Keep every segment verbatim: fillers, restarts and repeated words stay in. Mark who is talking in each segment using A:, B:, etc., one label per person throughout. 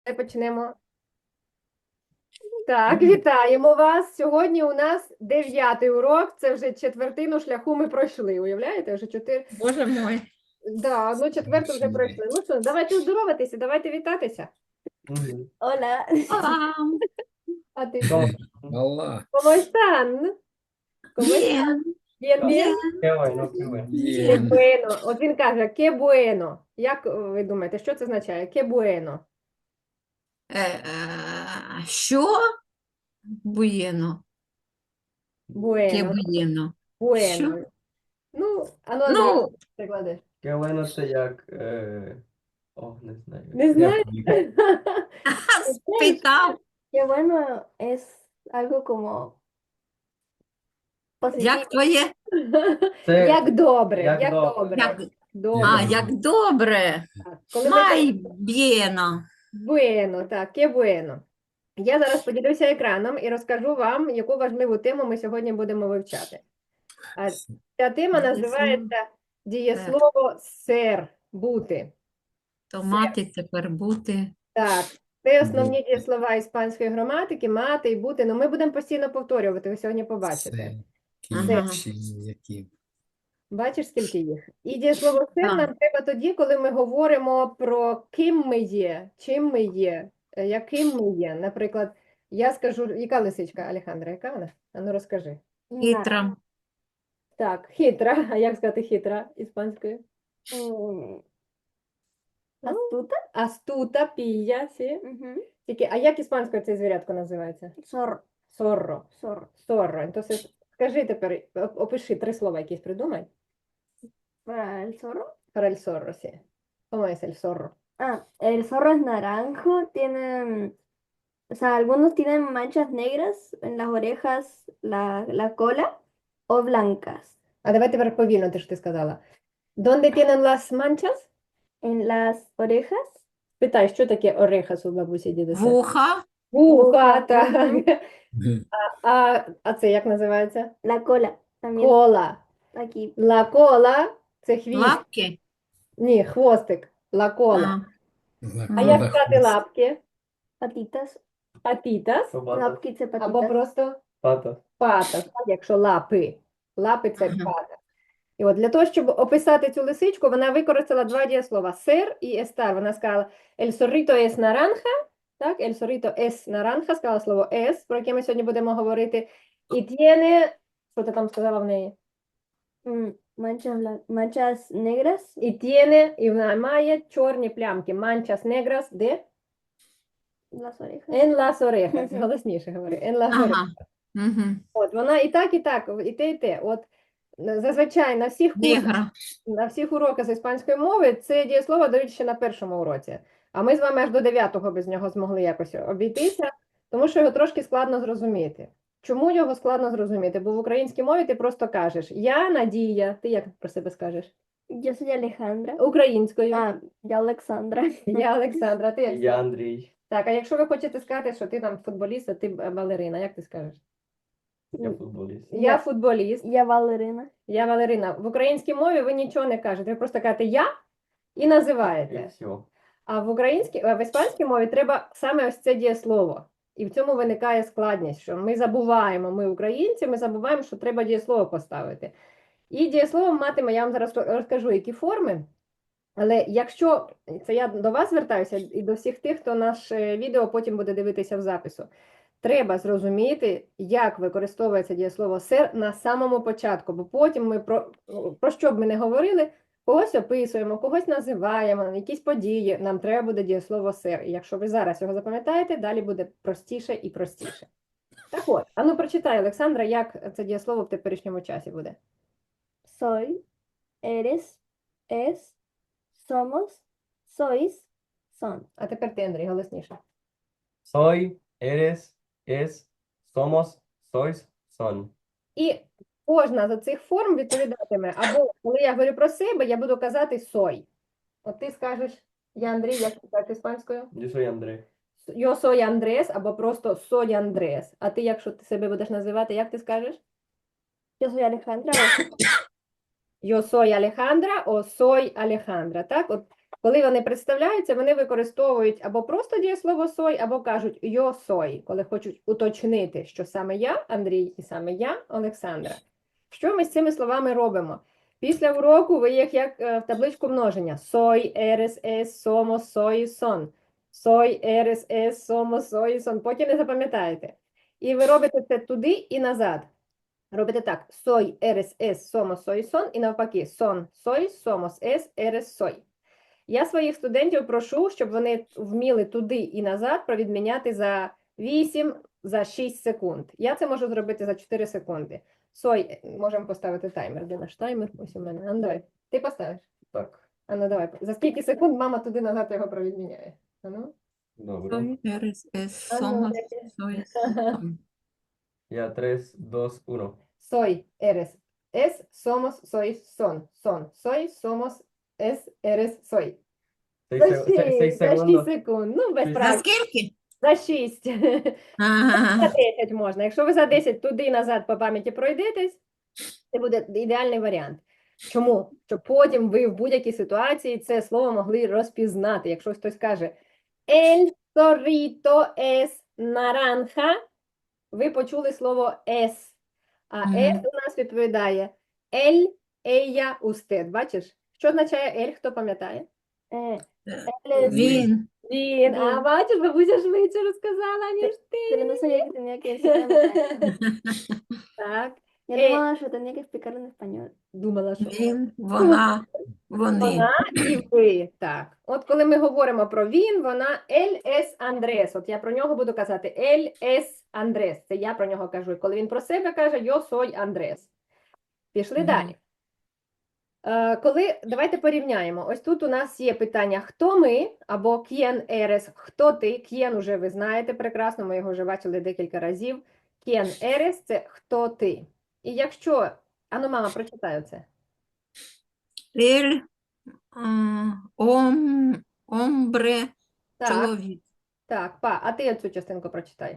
A: Давай почнемо. Так, вітаємо вас. Сьогодні у нас дев'ятий урок. Це вже четвертину шляху ми пройшли. Уявляєте? Вже чотири.
B: Боже мой.
A: Да, одну четверту вже пройшли. Ну що, давайте здороватися, давайте вітатися.
C: Мгм.
D: Hola.
B: Olá.
A: А ти
C: ¿Cómo?
E: Olá.
A: ¿Cómo están? ¿Cómo están?
B: Bien.
A: Bien, bien?
C: Qué bueno, qué bueno.
A: Qué
E: Bien.
A: bueno. От він каже, que bueno. Як ви думаєте, що це означає? Que bueno.
B: Е, е, Що? Буєно. Ке
A: Bueno.
B: буєно.
A: Bueno.
B: Що?
A: Ну, а ну,
B: Ну,
A: Андрій, переклади.
C: Qué bueno це як... Е... О, не знаю.
A: Не
C: Я
A: знаєш?
C: пам'ятаю.
B: спитав,
D: Qué bueno es algo como positivo.
B: як твоє?
C: Це
A: Як добре,
C: як
A: як
C: добре.
A: добре.
B: Як,
A: Добре.
B: а, як добре.
A: Так. Коли ми
B: Май
A: кажемо
B: б'єно.
A: bueno, так, que bueno. Я зараз поділюся екраном і розкажу вам, яку важливу тему ми сьогодні будемо вивчати. А ця тема називається дієслово «ser» – бути.
B: То мати тепер бути.
A: Так, це основні дієслова іспанської граматики, мати і бути. Ну, ми будемо постійно повторювати, ви сьогодні побачите.
E: Це
B: Ага.
E: кінчі, які.
A: Бачиш, скільки їх? І дієслово «ser»
B: Так.
A: нам треба тоді, коли ми говоримо про ким ми є, чим ми є, е, яким ми є. Наприклад, я скажу, яка лисичка, Алехандра, яка вона? А ну розкажи.
B: Хитра.
A: Так, хитра. А як сказати хитра іспанською?
D: Mm,
A: Ну,
D: Astuta.
A: Астута, пія, сі.
D: Ujú.
A: Тільки, а як іспанською це звірятко називається?
D: Zorro.
A: Сорро.
D: Zorro.
A: Сорро. Entonces, скажи тепер, оп- опиши три слова якісь придумай.
D: Para el zorro.
A: Para el zorro, sí. ¿Cómo es el zorro?
D: Ah, el zorro es naranjo. Tienen, o sea, algunos tienen manchas negras en las orejas, la, la cola o blancas.
A: А давай тепер повільно, те, що ти сказала. ¿Dónde tienen las manchas?
D: En las orejas.
A: Питай, що таке орехас у бабусі дідуся?
B: Вуха.
A: Вуха,
D: Вуха,
A: так.
D: мгм.
A: А, а це як називається?
D: La cola. También
A: Кола.
D: aquí.
A: Ла кола – це хвіст.
B: Лапки.
A: Ні, хвостик. Ла кола.
B: А.
A: А як сказати лапки?
D: Patitas.
A: Патітас.
C: Пата.
D: Лапки це
A: Або
D: patitas.
A: просто
C: Пата.
A: патас, так, якщо лапи. Лапи – це
B: Ага.
A: пата. І от для того, щоб описати цю лисичку, вона використала два дієслова – ser і estar. Вона сказала «el zorrito es naranja», так, «el zorrito es naranja», сказала слово «es», про яке ми сьогодні будемо говорити. І tiene, що ти там сказала в неї?
D: Mm, manchas, blan- manchas negras.
A: І tiene, і вона має чорні плямки. Manchas negras де?
D: Las orejas.
A: En las orejas.
D: Мгм.
A: Голосніше говори. En las orejas.
B: Ага. Угу.
A: От, вона і так, і так, і те, і те. От, зазвичай на всіх курсах
B: Негра.
A: на всіх уроках з іспанської мови це дієслово дають ще на першому уроці. А ми з вами аж до дев'ятого без нього змогли якось обійтися, тому що його трошки складно зрозуміти. Чому його складно зрозуміти? Бо в українській мові ти просто кажеш «Я Надія». Ти як про себе скажеш?
D: Yo soy Alejandra.
A: Українською.
D: Ah, я Олександра.
A: Я Олександра. Ти як?
C: Я Андрій.
A: Так, а якщо ви хочете сказати, що ти там футболіст, а ти б- балерина, як ти скажеш?
C: Я футболіст.
A: Я
D: Я-
A: футболіст.
D: Я Валерина.
A: Я Валерина. В українській мові ви нічого не кажете. Ви просто кажете «я» і називаєте.
C: І все.
A: А в українській, а в іспанській мові треба саме ось це дієслово. І в цьому виникає складність, що ми забуваємо, ми українці, ми забуваємо, що треба дієслово поставити. І дієслово матиме, я вам зараз розкажу, які форми. Але якщо, це я до вас звертаюся і до всіх тих, хто наше відео потім буде дивитися в запису, треба зрозуміти, як використовується дієслово «ser» на самому початку, бо потім ми про, про що б ми не говорили, когось описуємо, когось називаємо, якісь події, нам треба буде дієслово «ser». І якщо ви зараз його запам'ятаєте, далі буде простіше і простіше. Так от, а ну прочитай, Олександра, як це дієслово в теперішньому часі буде.
D: Soy, eres, es, somos, sois, son.
A: А тепер ти, Андрій, голосніше.
C: Soy, eres, es, somos, sois, son.
A: І кожна з цих форм відповідатиме, або коли я говорю про себе, я буду казати «soy». От ти скажеш «я Андрій», як сказати іспанською?
C: Я soy Андрій.
A: «Yo soy Andrés» або просто «soy Andrés». А ти, якщо ти себе будеш називати, як ти скажеш?
D: Yo soy Alejandra.
A: «Yo soy Alejandra» о «soy Alejandra». Так? От Коли вони представляються, вони використовують або просто дієслово сой, або кажуть «yo soy», коли хочуть уточнити, що саме я, Андрій, і саме я, Олександра. Що ми з цими словами робимо? Після уроку ви їх як е, в табличку множення. Soy, eres, es, somos, soy, son. Soy, eres, es, somos, soy, son. Потім не запам'ятаєте. І ви робите це туди і назад. Робите так. Soy, eres, es, somos, soy, son. І навпаки. Son, soy, somos, es, eres, soy. Я своїх студентів прошу, щоб вони вміли туди і назад провідміняти за вісім, за шість секунд. Я це можу зробити за чотири секунди. Сой, можемо поставити таймер. Де наш таймер? Ось у мене. А ну давай. Ти поставиш?
C: Так,
A: А ну давай. За скільки секунд мама туди назад його провідміняє? А ну.
C: добре.
B: Soy, eres, es,
A: А ну,
B: somos,
A: яке?
B: soy,
A: Ага.
B: son.
C: Я tres, dos, uno.
A: Soy, eres, es, somos, soy, son. Son, soy, somos, es, eres, soy.
C: Seis,
A: За
C: seg- se- seis
A: шість, за шість
C: segundos.
A: секунд. Ну, без
C: Шість.
B: За
A: прав.
B: скільки?
A: За шість. За
B: Ага.
A: десять можна. Якщо ви за десять туди і назад по пам'яті пройдетесь, це буде ідеальний варіант. Чому? Щоб потім ви в будь-якій ситуації це слово могли розпізнати. Якщо хтось каже El zorrito es naranja, ви почули слово es. А
B: Мгм.
A: es у нас відповідає el, ella, usted. Бачиш? Що означає el, хто пам'ятає?
D: Eh,
B: Е,
D: él es-
B: Він.
A: Він. А
D: Він.
A: бачиш, бабуся швидше розказала, ніж ти.
D: pero no sabía que tenía que decirlo en español.
A: Так.
D: Yo
A: Eh.
D: no, yo tenía que explicarlo en español.
A: Думала, що
B: Він, вона, вони.
A: вона і ви. Так. От коли ми говоримо про він, вона Ель ес Андрес. От я про нього буду казати Ель ес Андрес. Це я про нього кажу. І коли він про себе каже, yo soy Андрес. Пішли
B: Мгм.
A: далі. Е, коли, давайте порівняємо. Ось тут у нас є питання «хто ми?» або «quién eres?» «Хто ти?» «Quién» уже ви знаєте прекрасно, ми його вже бачили декілька разів. «Quién eres?» – це «хто ти?». І якщо... Ану, мама, прочитаю це.
B: Ель, м, ом, омбре,
A: Так,
B: чоловік.
A: так, па, а ти цю частинку прочитай.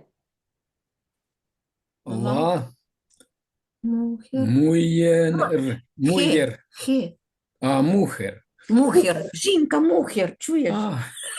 E: Ла,
B: Мухер.
E: муєр, муєр,
B: Хе.
E: а, мухер.
B: Мухер. Жінка, мухер. Чуєш?
E: А,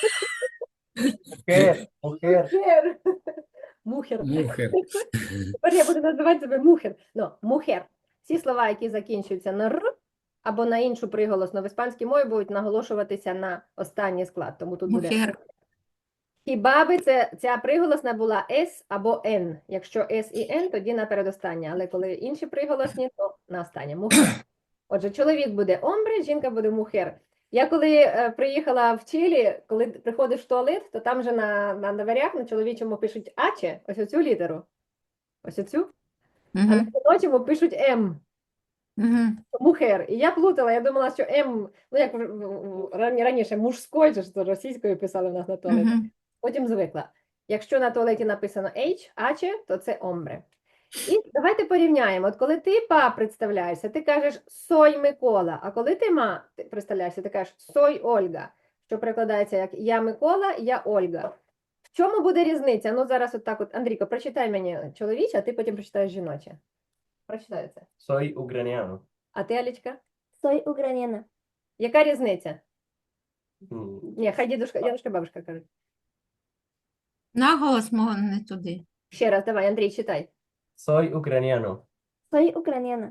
C: Mujer, mujer.
A: Мухер. Мухер.
E: мухер.
A: Тепер я буду називати себе мухер. Ну, мухер. Всі слова, які закінчуються на р або на іншу приголосну в іспанській мові, будуть наголошуватися на останній склад. Тому тут буде
B: Мухер.
A: хіба би це, ця приголосна була с або н. Якщо с і н, тоді на передостаннє. Але коли інші приголосні, то на останнє. Мухер. Отже, чоловік буде омбре, жінка буде мухер. Я коли е, приїхала в Чилі, коли приходиш в туалет, то там же на, на дверях на чоловічому пишуть аче, ось оцю літеру. Ось оцю. А на
B: Мгм.
A: жіночому пишуть м.
B: Мгм.
A: Мухер. І я плутала, я думала, що М, ну як в- в- в- рані- раніше мужською, чи ж то російською писали в нас на туалеті.
B: Мгм.
A: Потім звикла. Якщо на туалеті написано H, аче, то це омбре. І давайте порівняємо. От коли ти па представляєшся, ти кажеш сой Микола, а коли ти ма ти представляєшся, ти кажеш сой Ольга, що перекладається як я Микола, я Ольга. В чому буде різниця? Ну зараз от так от, Андрійко, прочитай мені чоловіче, а ти потім прочитаєш жіноче. Прочитай це.
C: Soy ucraniano.
A: А ти, Алічка?
D: Soy ucraniana.
A: Яка різниця?
C: Mm,
A: Ні, хай дідушка, дідушка, бабушка кажуть.
B: Наголос мого не туди.
A: Ще раз, давай, Андрій, читай.
C: Soy ucraniano.
D: Soy ucraniana.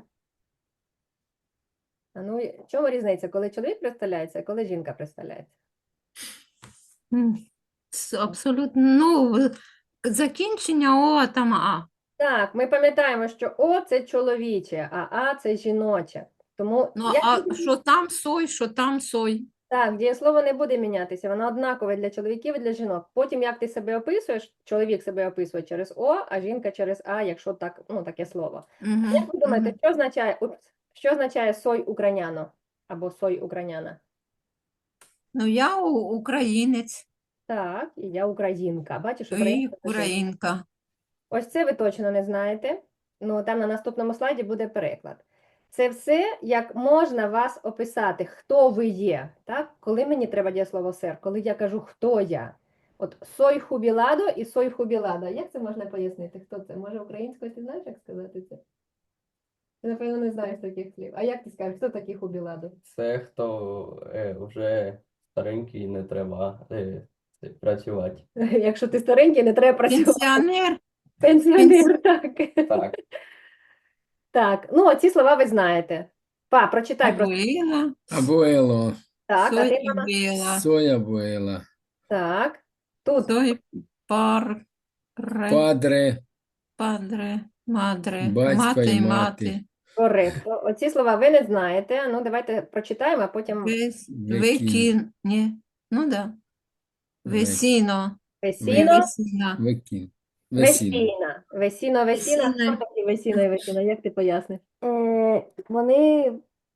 A: А ну, і в чому різниця, коли чоловік представляється, а коли жінка представляється?
B: М, с- Абсолютно. Ну, закінчення О, там А.
A: Так, ми пам'ятаємо, що О – це чоловіче, а А – це жіноче. Тому
B: Ну,
A: я
B: а що там сой, що там сой.
A: так, дієслово не буде мінятися, воно однакове для чоловіків і для жінок. Потім, як ти себе описуєш, чоловік себе описує через О, а жінка через А, якщо так, ну, таке слово.
B: Мгм,
A: Як ви думаєте,
B: мгм.
A: що означає, упс, що означає сой украняно або сой украняна?
B: Ну, я у- українець
A: Так, і я українка. Бачиш,
B: і
A: українка це жінка.
B: українка.
A: Ось це ви точно не знаєте. Ну, там на наступному слайді буде переклад. Це все, як можна вас описати, хто ви є. Так? Коли мені треба дієслово сер, коли я кажу, хто я. От сой хубіладо і сой хубіладо. Як це можна пояснити? Хто це? Може, українською ти знаєш, як сказати це? Ти, напевно, не знаєш таких слів. А як ти скажеш, хто такий хубіладо?
C: Це хто е, вже старенький, не треба е, це, працювати.
A: Якщо ти старенький, не треба працювати.
B: Пенсіонер.
A: Пенсіонер, так.
C: Так,
A: Так, ну оці слова ви знаєте. Па, прочитай просто.
B: Абуела.
E: Abuelo.
A: Так, а
B: Soy
A: ти, мама?
B: abuela.
E: Soy abuela.
A: Так. Тут
B: Soy par.
E: Padre.
B: Padre. Madre.
E: Батько
B: Мати
E: і
B: і
E: мати.
B: мати.
A: коректно. Оці слова ви не знаєте. Ну, давайте прочитаємо, а потім
B: Вес-
E: Векін.
B: Векін. Ні. Ну да. Весіно.
A: весіно,
B: Весіна.
E: Векін. Весіно.
A: весіна. Весіно, весіна.
B: Весіна.
A: Хто такі весіно і весіна? Як ти поясниш?
D: Е, вони,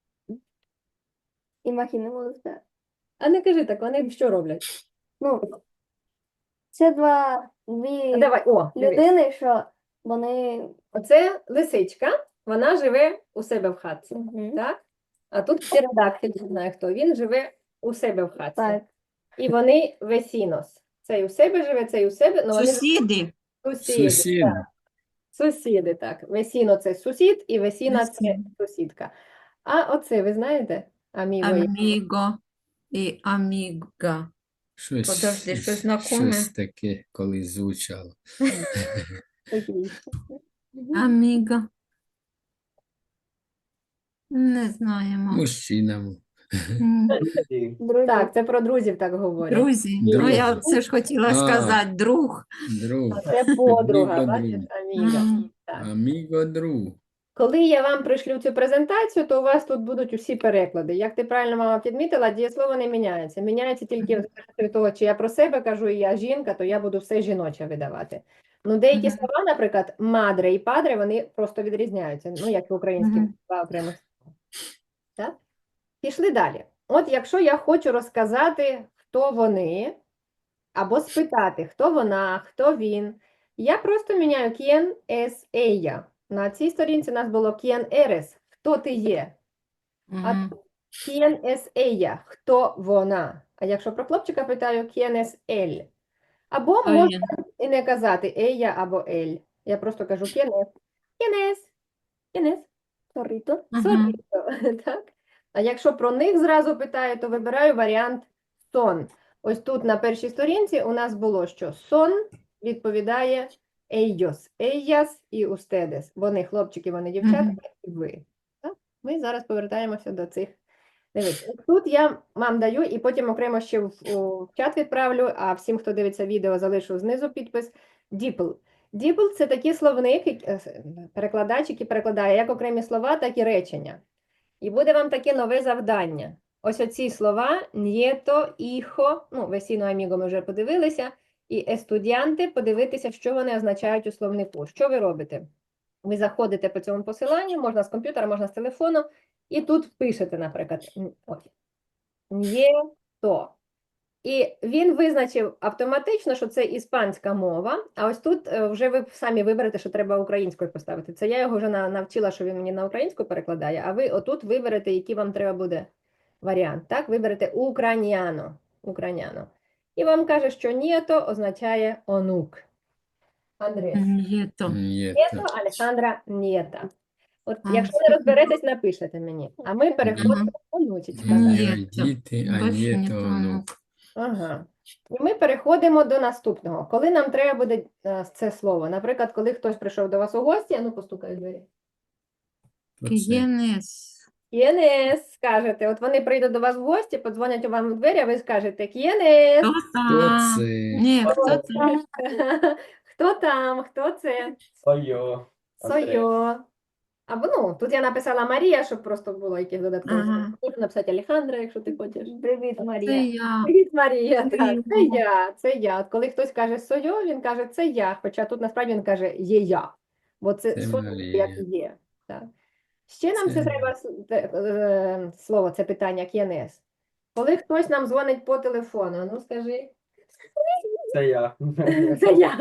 D: imaginémoslo,
A: А не кажи так, вони що роблять?
D: ну, це два,
A: А
D: дві
A: давай, о, дивись.
D: людини, що вони,
A: Оце лисичка, вона живе у себе в хатці,
D: Мгм.
A: так? А тут птеродактиль, не знаю хто, він живе у себе в хатці.
D: так,
A: І вони весінос. Цей у себе живе, цей у себе, ну вони
B: Сусіди.
A: сусіди.
E: Сусід.
A: Так. Сусіди, так. Весіно це сусід, і весіна це
B: Весіно.
A: сусідка. А оце ви знаєте? Аміго. є.
B: Аміго і аміга.
E: Щось,
B: Подожди, щось знакоме?
E: щось таке колись звучало.
A: Такий.
B: Аміга. Не знаємо.
E: Мужчинам.
B: М,
C: і
D: друзі.
A: Так, це про друзів так говорять.
B: Друзі. Ну,
E: Друзі.
B: я це ж хотіла
E: А.
B: сказати. Друг.
E: Друг.
A: А це подруга,
E: Amigo,
A: бачиш,
E: друг.
A: аміга.
B: М,
A: Так.
E: Аміго, друг.
A: Коли я вам пришлю цю презентацію, то у вас тут будуть усі переклади. Як ти правильно, мама, підмітила, дієслово не міняється. Міняється тільки в залежності від того, чи я про себе кажу, і я жінка, то я буду все жіноче видавати. Ну, деякі
B: Мгм.
A: слова, наприклад, мадре і падре, вони просто відрізняються. Ну, як і українські
B: Мгм.
A: два окремих слова. Так? Пішли далі. От якщо я хочу розказати, хто вони, або спитати, хто вона, хто він, я просто міняю quién es ella. На цій сторінці у нас було quién eres, хто ти є. А
B: Мгм.
A: тут quién es ella, хто вона. А якщо про хлопчика питаю, quién es él. Або
B: Хто
A: можна
B: є?
A: і не казати ella або él. Я просто кажу quién es. Quién es? Quién es?
D: Zorrito.
B: Мгм.
A: Соліто, так? А якщо про них зразу питаю, то вибираю варіант сон. Ось тут на першій сторінці у нас було, що сон відповідає ellos, ellas і ustedes. Вони хлопчики, вони дівчата,
B: Мгм.
A: і ви. Так? Ми зараз повертаємося до цих. Дивись, ось тут я вам даю і потім окремо ще в, у чат відправлю, а всім, хто дивиться відео, залишу знизу підпис. Діпл. Діпл – це такий словник, який- е, перекладач, який перекладає як окремі слова, так і речення. І буде вам таке нове завдання. Ось оці слова «нєто», «іхо», ну, «весіно», «аміго» ми вже подивилися, і «естудіанти» подивитися, що вони означають у словнику. Що ви робите? Ви заходите по цьому посиланню, можна з комп'ютера, можна з телефону, і тут пишете, наприклад, н- ось, «нєто». І він визначив автоматично, що це іспанська мова, а ось тут е, вже ви самі виберете, що треба українською поставити. Це я його вже на- навчила, що він мені на українську перекладає, а ви отут виберете, який вам треба буде варіант. Так, виберете «украняно», «украняно». І вам каже, що «нєто» означає «онук». Андрес.
B: Нєто.
E: Ні,
A: «Нєто», Алехандра «нєта». От
B: А,
A: якщо не розберетесь, напишете мені. А ми переходимо до онучечка. так.
B: Ні.
E: Ні, діти, а
B: Більше
E: ні,
B: ні
E: то
B: то
E: онук.
B: онук.
A: Ага. І ми переходимо до наступного. Коли нам треба буде е, це слово. Наприклад, коли хтось прийшов до вас у гості, а ну постукай в двері.
E: Оце.
B: К'єнес.
A: «К'єнес», скажете. От вони прийдуть до вас в гості, подзвонять вам у двері, а ви скажете «К'єнес».
B: Хто
E: Хто
B: там?
E: це?
B: Ні, хто там?
A: Хто там? Хто це?
C: Сойо.
A: Сойо. Або, ну, тут я написала Марія, щоб просто було яких додаткових.
B: Ага.
A: слів. Можна написати Алехандра, якщо ти хочеш.
D: Привіт,
B: Це
D: Марія.
B: я.
A: Привіт, Марія. Так, це
B: Привіт.
A: я, це я. От коли хтось каже «сойо», він каже «це я», хоча тут насправді він каже «є я», бо це
E: Це
A: «сойо»
E: Марія.
A: як є. Так. Ще нам це
E: Це-
A: треба с- те- е, слово, це питання «к'єнес». Коли хтось нам дзвонить по телефону, ну скажи,
C: Це я.
A: це я.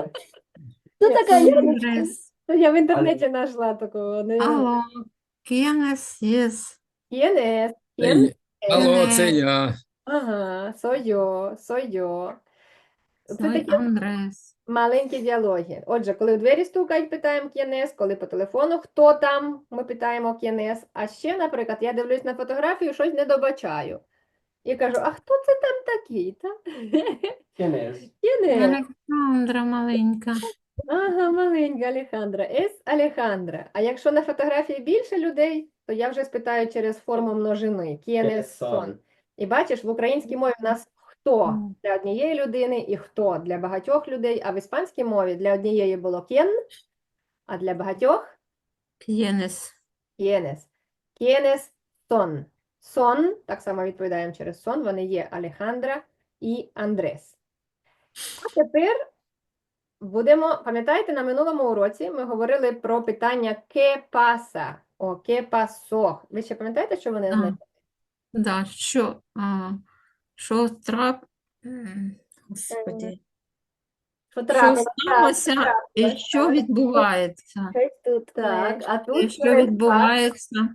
D: Хто така Яночка?
B: Андрес.
A: Я в інтернеті знайшла такого. не-
B: Алло. К'єнес, єс.
A: «К'єнес»,
E: Це
A: «к'єнес».
E: я. Алло, це я.
A: Ага, «сойо», «сойо». Це
B: Сой
A: такі
B: Андрес.
A: маленькі діалоги. Отже, коли у двері стукають, питаємо «к'єнес», коли по телефону «хто там?», ми питаємо «к'єнес». А ще, наприклад, я дивлюсь на фотографію, щось не добачаю. І кажу, а хто це там такий? Та?
C: ¿Quién es?
A: Кінець.
B: Олександра маленька.
A: Ага, маленька Алехандра. Ес Алехандра. А якщо на фотографії більше людей, то я вже спитаю через форму множини. Кієнес сон. І бачиш, в українській мові в нас хто
B: Мгм.
A: для однієї людини і хто для багатьох людей, а в іспанській мові для однієї було кєн, а для багатьох
B: К'єнес.
A: кєнес. Кєнес сон. Сон, так само відповідаємо через сон, вони є Алехандра і Андрес. А тепер будемо, пам'ятаєте, на минулому уроці ми говорили про питання «ке паса» о «ке пасо». Ви ще пам'ятаєте, що вони
B: А,
A: означають?
B: да, що, а, що трап... М, Господи.
A: Що
B: Що
A: трапилося?
B: сталося і
A: трапилось,
B: що
A: так.
B: відбувається?
D: Щось тут
A: Так,
D: не-
A: а
B: І
A: тут
B: що
A: через «пас»
B: відбувається?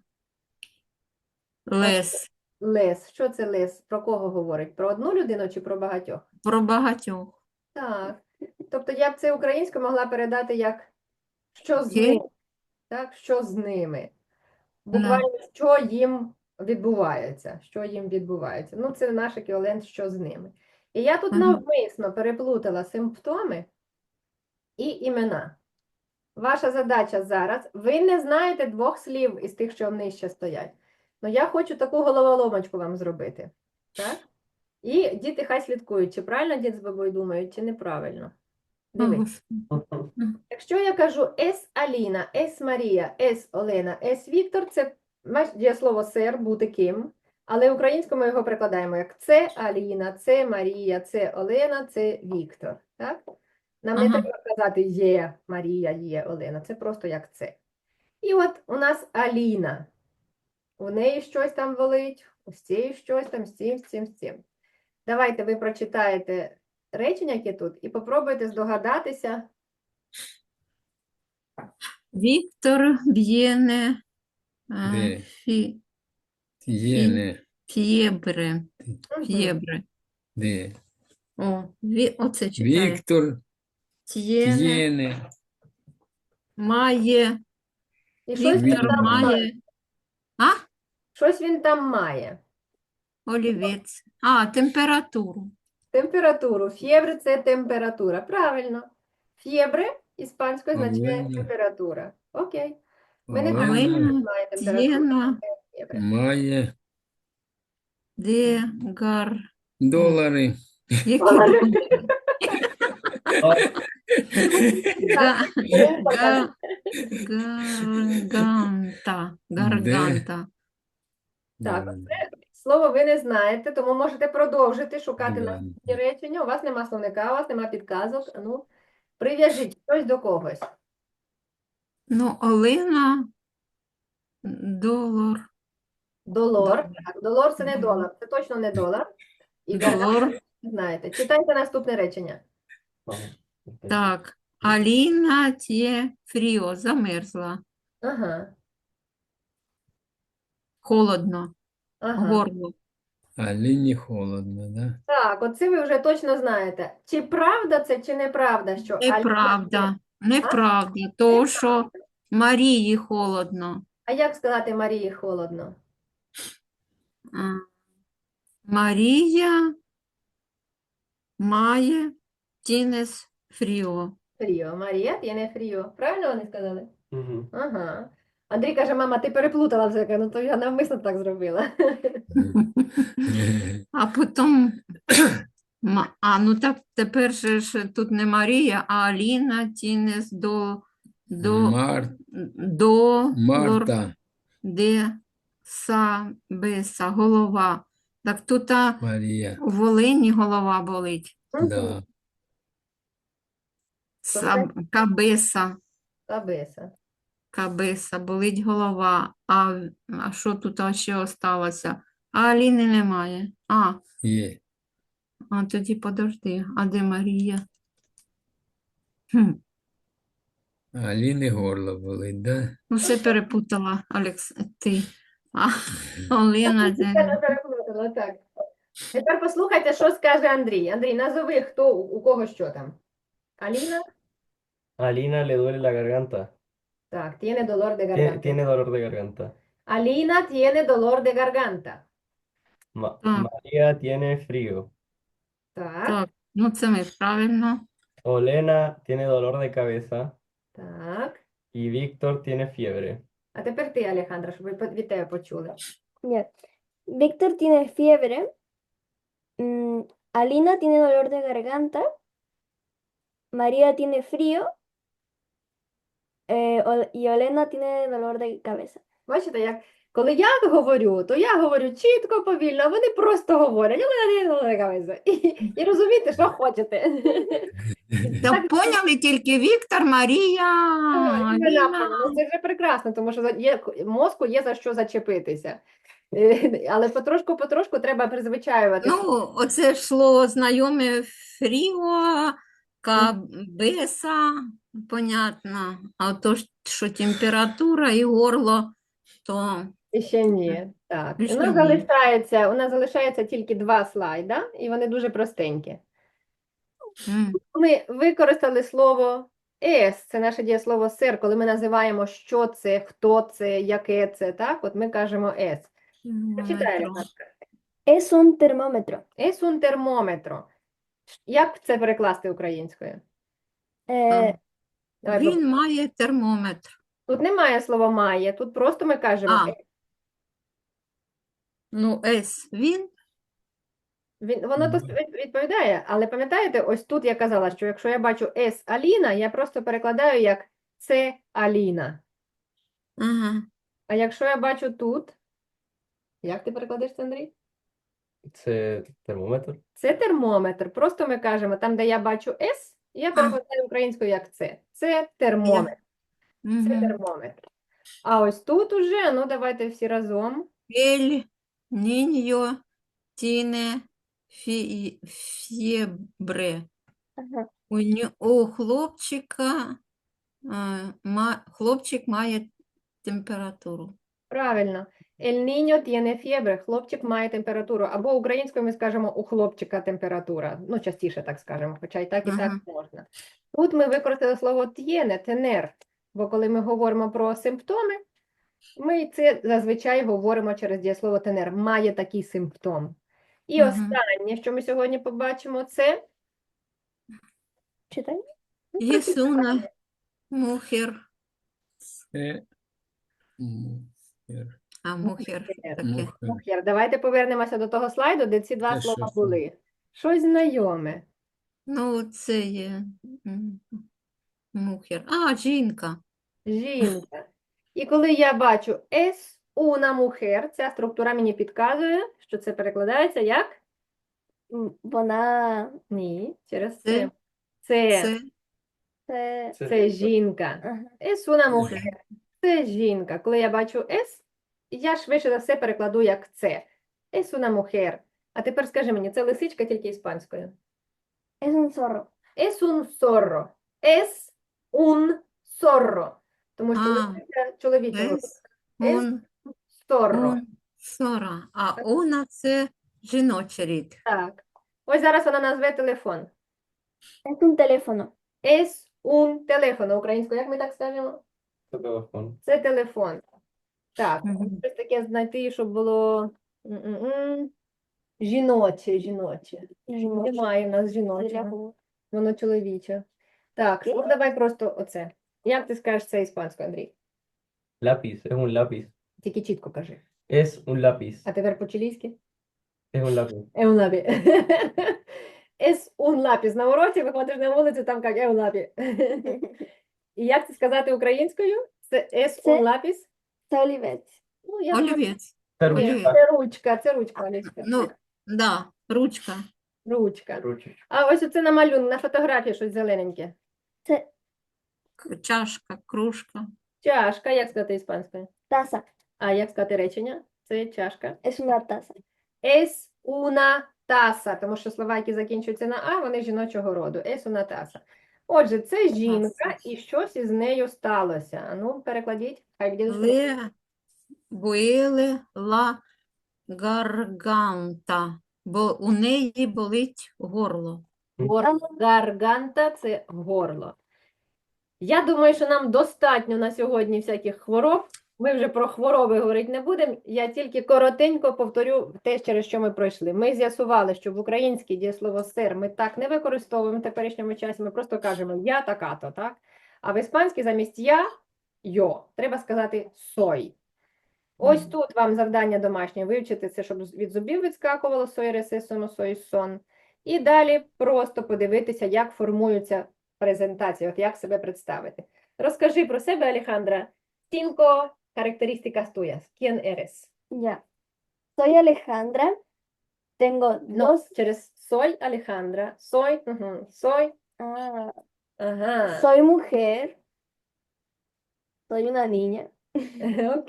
B: Лес.
A: лес. Що це лес? Про кого говорить? Про одну людину чи про багатьох?
B: Про багатьох.
A: Так. Тобто я б це українською могла передати як «що з
B: Ке?
A: ними», так? Що з ними. Буквально, що їм відбувається, що їм відбувається. Ну, це наш еквівалент, що з ними. І я тут
B: Мгм.
A: навмисно переплутала симптоми і імена. Ваша задача зараз, ви не знаєте двох слів із тих, що нижче стоять. Ну, я хочу таку головоломочку вам зробити. Так? І діти хай слідкують, чи правильно дід з бабою думають, чи неправильно.
B: О,
A: Дивись.
B: Господи.
A: Якщо я кажу ес Аліна, ес Марія, ес Олена, ес Віктор, це маєш дієслово сер, бути ким, але українською ми його прикладаємо як це Аліна, це Марія, це Олена, це Віктор. Так? Нам не
B: Ага.
A: треба казати є Марія, є Олена, це просто як це. І от у нас Аліна. У неї щось там болить, у цієї щось там, з цим, з цим, з цим. Давайте ви прочитаєте речення, які тут, і попробуйте здогадатися.
B: Віктор Б'єне а,
E: Де?
B: фі,
E: Tiene.
B: фєбре.
A: Мгм.
B: Фєбре.
E: De.
B: О, ві, оце читає.
E: Víctor
B: Т'єне
E: tiene.
B: має.
A: І щось він
B: Віктор
A: там має.
B: має. А?
A: Щось він там має.
B: Олівець. А, температуру.
A: Температуру. Фєбре – це температура. Правильно. Фєбре іспанською означає
E: Олена.
A: температура. Окей. Ми не
E: Олена.
A: знаємо,
B: Олена
A: що має температуру.
B: Т'єна
A: Фєбре.
E: Maya.
B: де гар.
E: Dólares.
B: Які
A: Олена.
B: думки? Га, га, гарганта. Гарганта.
A: Так, Слово ви не знаєте, тому можете продовжити шукати
E: Да.
A: наступні речення. У вас нема словника, у вас нема підказок. А Ну, прив'яжіть щось до когось.
B: Ну, Олена долар.
A: Долор.
B: Долар.
A: Так, долор – це не
B: Мгм.
A: долар. Це точно не долар. І гарганта
B: Долар.
A: ви знаєте. Читайте наступне речення.
C: Vamos.
B: Так. Аліна тє фріо. Замерзла.
A: Ага.
B: Холодно.
A: Ага.
B: Горло.
E: Алине холодно, да?
A: Так, оце ви вже точно знаєте. Чи правда це, чи неправда, що Аліна-
B: Неправда. Неправда. То, що Марії холодно.
A: А як сказати Марії холодно?
B: А, Марія має тінес фріо.
A: Фріо. Марія tiene фріо. Правильно вони сказали?
C: Ujú.
A: Ага. Андрій каже, мама, ти переплутала все. Я кажу, ну то я навмисно так зробила.
B: А потім, ма- а ну так тепер же ж тут не Марія, а Аліна тінес до, до,
E: Мар...
B: до лор,
E: Марта.
B: де са, беса, голова. Так тут а,
E: Мария.
B: у Волині голова болить.
E: Да.
B: Са, кабеса,
A: Табеса.
B: кабеса, болить голова. А, а що тут а ще осталося? А Аліни немає. А,
E: Е.
B: а тоді подожди, а де Марія? Хм.
E: Алины горло болит, да?
B: Ну, все перепутала, Алекс, ти. А, Олена, це...
A: Я не переплутала, так. Тепер послухайте, що скаже Андрій. Андрій, назови, хто, у кого що там. Аліна?
C: A Alina le duele la garganta.
A: Так, tiene dolor de
C: Tie-
A: garganta.
C: Tiene dolor de garganta.
A: Alina tiene dolor de garganta.
C: Ma-
B: Так.
C: María tiene frío.
A: Так,
B: Так, ну це ми правильно.
C: Olena tiene dolor de cabeza.
A: так.
C: Y Víctor tiene fiebre.
A: А тепер ти, Алехандра, щоб ви по- від тебе почули.
D: Ya. Víctor tiene fiebre. Mm, Alina tiene dolor de garganta. María tiene frío. eh, Ol- y Olena tiene dolor de cabeza.
A: Бачите, як коли я говорю, то я говорю чітко, повільно, а вони просто говорять. І, і розумієте, що хочете.
B: Так поняли тільки Віктор, Марія,
A: Ой, ви
B: Аліна.
A: напевно, ну, це вже прекрасно, тому що за- є, мозку є за що зачепитися. Е, Але потрошку-потрошку треба призвичаюватися.
B: Ну, оце йшло знайоме Фріо, Кабеса, понятно. А то, ж, що температура і горло, то
A: І ще ні. Так.
B: І
A: У
B: ще
A: нас
B: ні.
A: залишається, у нас залишається тільки два слайда, і вони дуже простенькі.
B: м,
A: Ми використали слово «ес», це наше дієслово «сер», коли ми називаємо, що це, хто це, яке це, так? От ми кажемо «ес». Почитай,
B: метро.
A: Алехандра.
D: Es un termómetro.
A: «Ес un термометро». Як це перекласти українською?
D: Eh,
A: Давай,
B: Він має термометр.
A: тут немає слова «має», тут просто ми кажемо
B: А.
A: «ес».
B: Ну, С він.
A: Він, воно то від- відповідає, але пам'ятаєте, ось тут я казала, що якщо я бачу «ес Аліна», я просто перекладаю як «це Аліна».
B: Ага.
A: А якщо я бачу тут, як ти перекладеш це, Андрій?
C: Це термометр.
A: Це термометр. Просто ми кажемо, там, де я бачу «ес», я перекладаю українською як «це». Це термометр. Це
B: Угу.
A: термометр. А ось тут уже, ну давайте всі разом.
B: Ель, ніньо, тіне, фі, фєбре.
D: ajá.
B: У, ню- у хлопчика, е, ма, хлопчик має температуру.
A: Правильно. El niño tiene fiebre. Хлопчик має температуру. Або українською ми скажемо у хлопчика температура. Ну, частіше так скажемо, хоча і так, і так
B: Ага.
A: можна. Тут ми використали слово tiene, tener, бо коли ми говоримо про симптоми, ми це зазвичай говоримо через дієслово tener. Має такий симптом. І
B: Мгм.
A: останнє, що ми сьогодні побачимо, це
D: Читай.
A: ну,
B: Єсуна, мухер,
E: Це мухер.
B: а мухер таке.
E: Мухер.
A: мухер. Давайте повернемося до того слайду, де ці два
E: Це
A: слова
E: що це?
A: були. Щось знайоме.
B: Ну, це є м, мухер. А, жінка.
A: Жінка. І коли я бачу es una mujer, ця структура мені підказує, що це перекладається як?
D: Mm, Вона
A: Ні, через
B: Це,
A: це. Це,
B: це
D: це,
C: Це
A: це жінка.
D: ага.
A: Es una mujer. Це жінка. Коли я бачу es, я швидше за все перекладу як це. Es una mujer. А тепер скажи мені, це лисичка тільки іспанською.
D: Es un zorro.
A: Es un zorro. Es un zorro. Тому що
B: А,
A: лисиця чоловічого.
B: ес, он,
A: Зорро.
B: он, сора. А она це жіночий рід.
A: Так. Ось зараз вона назве телефон.
D: Es un teléfono.
A: Es un teléfono. Українською, як ми так скажемо?
C: Це телефон.
A: Це телефон. Так,
B: Мгм.
A: щось таке знайти, щоб було м-м-м. жіноче, жіноче.
D: Жіноче.
A: Немає в нас
D: Для
A: жіночого.
D: кого?
A: Воно чоловіче. Так, ну давай просто оце. Як ти скажеш це іспанською, Андрій?
C: Lápiz, es un lápiz.
A: Тільки чітко кажи.
C: Es un lápiz.
A: А тепер по-чилійськи?
C: Es un lápiz.
A: È un lápiz. Es un lápiz. На уроці виходиш на вулицю, там як è un lápiz. І як це сказати українською? Це es
D: Це-
A: un lápiz?
D: Це олівець.
A: Ну, я знаю,
B: Олівець.
C: Це
A: ні,
C: ручка.
A: це ручка, це ручка, Олечка.
B: Ну, да, ручка.
A: Ручка.
C: Ручечка.
A: А ось оце на малюнку, на фотографії щось зелененьке.
D: Це
B: К- Чашка, кружка.
A: Чашка, як сказати іспанською?
D: taza.
A: А як сказати речення? Це чашка.
D: Es una taza.
A: Es una taza, тому що слова, які закінчуються на А, вони жіночого роду. Es una taza. Отже, це жінка, і щось із нею сталося. А ну, перекладіть. Хай дідусь
B: Ле, буеле, ла, гарганта. Бо у неї болить горло.
A: Гор... Гарганта – це горло. Я думаю, що нам достатньо на сьогодні всяких хвороб. Ми вже про хвороби говорити не будемо. Я тільки коротенько повторю те, через що ми пройшли. Ми з'ясували, що в українській дієслово сир ми так не використовуємо в теперішньому часі. Ми просто кажемо я така-то, так? А в іспанській замість я йо. Треба сказати сой. Ось
B: Мгм.
A: тут вам завдання домашнє вивчити це, щоб від зубів відскакувало сой, реси, соно, сой, сон. І далі просто подивитися, як формуються презентації, от як себе представити. Розкажи про себе, Алехандра. Cinco características tuyas. ¿Quién eres?
D: Ya. Soy Alejandra. Tengo
A: No,
D: dos.
A: через soy Alejandra. Soy, ujú, soy,
D: Ah,
A: ajá.
D: soy mujer. Soy una niña.
A: Ok.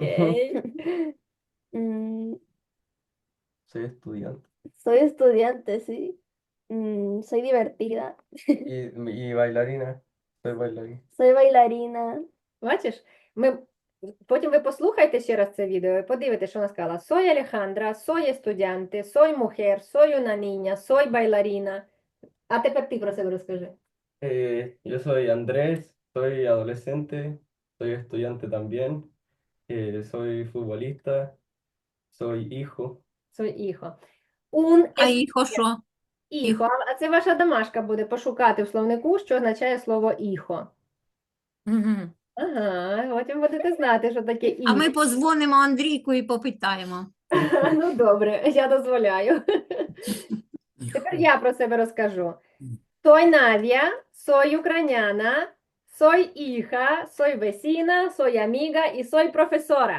D: Mm,
C: Soy estudiante.
D: soy estudiante, sí. Mm, soy divertida.
C: Y, y bailarina. Soy bailarina.
D: Soy bailarina.
A: Бачиш, ми... потім ви послухайте ще раз це відео і подивитесь, що вона сказала. Soy Alejandra, soy estudiante, soy mujer, soy una niña, soy bailarina. А тепер ти про себе розкажи.
C: Eh, yo soy Andrés, soy adolescente, soy estudiante también, eh, soy futbolista, soy hijo.
A: Soy hijo. Un
B: А
A: es-
B: іхо що?
A: hijo. А це ваша домашка буде пошукати в словнику, що означає слово hijo.
B: Мгм.
A: Ага, потім будете знати, що таке
B: А
A: hijo.
B: ми позвонимо Андрійку і попитаємо.
A: Ну, добре, я дозволяю. Тепер я про себе розкажу. Soy Nadia, soy ucraniana, soy hija, soy vecina, soy amiga y soy profesora.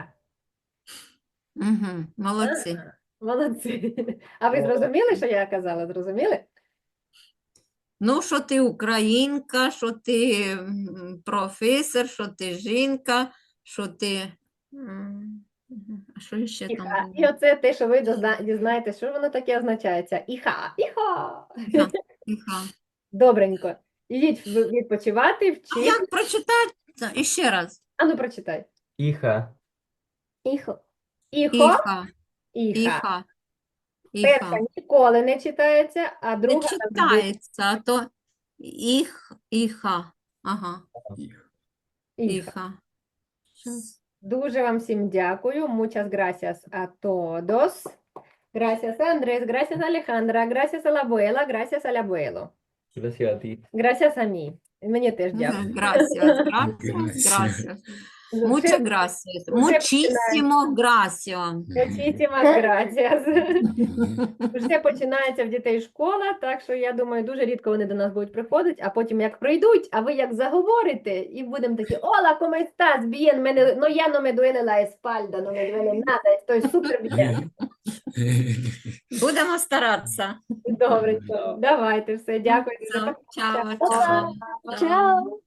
B: Угу. Молодці.
A: Ага, молодці. А ви зрозуміли, що я казала? Зрозуміли?
B: Ну, що ти українка, що ти м, професор, що ти жінка, що ти. м, А що ще там
A: Іха.
B: було?
A: І оце те, що ви дозна- дізнаєтесь, що воно таке означається. Іха, іха.
B: Іха, іха.
A: Добренько. Ідіть в- відпочивати,
B: А
A: вчити.
B: як прочитати? це? І ще раз.
A: А ну прочитай.
C: Hija.
D: Hijo.
A: Іхо,
B: Іха,
A: іха.
B: іха,
A: Перша
B: іха.
A: ніколи не читається, а
B: Не
A: друга завжди.
B: читається, а то іх, іха. Ага,
A: Іха.
B: іха. Щас.
A: Дуже вам всім дякую. Muchas gracias a todos. Gracias a Andrés, gracias a Alejandra, gracias a la abuela, gracias al abuelo.
C: Gracias a ti.
A: Gracias a mí. Мені теж дякую.
B: Мгм, Gracias, gracias,
E: Gracias.
B: gracias.
A: Вже-
B: Muchas gracias.
A: вже
B: Muchísimo gracias.
A: Muchísimas gracias. Вже починається в дітей школа, так що я думаю, дуже рідко вони до нас будуть приходити, а потім як прийдуть, а ви як заговорите, і будемо такі, hola, ¿cómo estás? Bien, мене, no, ya no me duele la espalda, no me duele nada, estoy súper bien.
B: Будемо старатися.
A: Добре, давайте все, дякую.
B: Все, Чао,
A: Па-па.
B: чао.
D: Chao.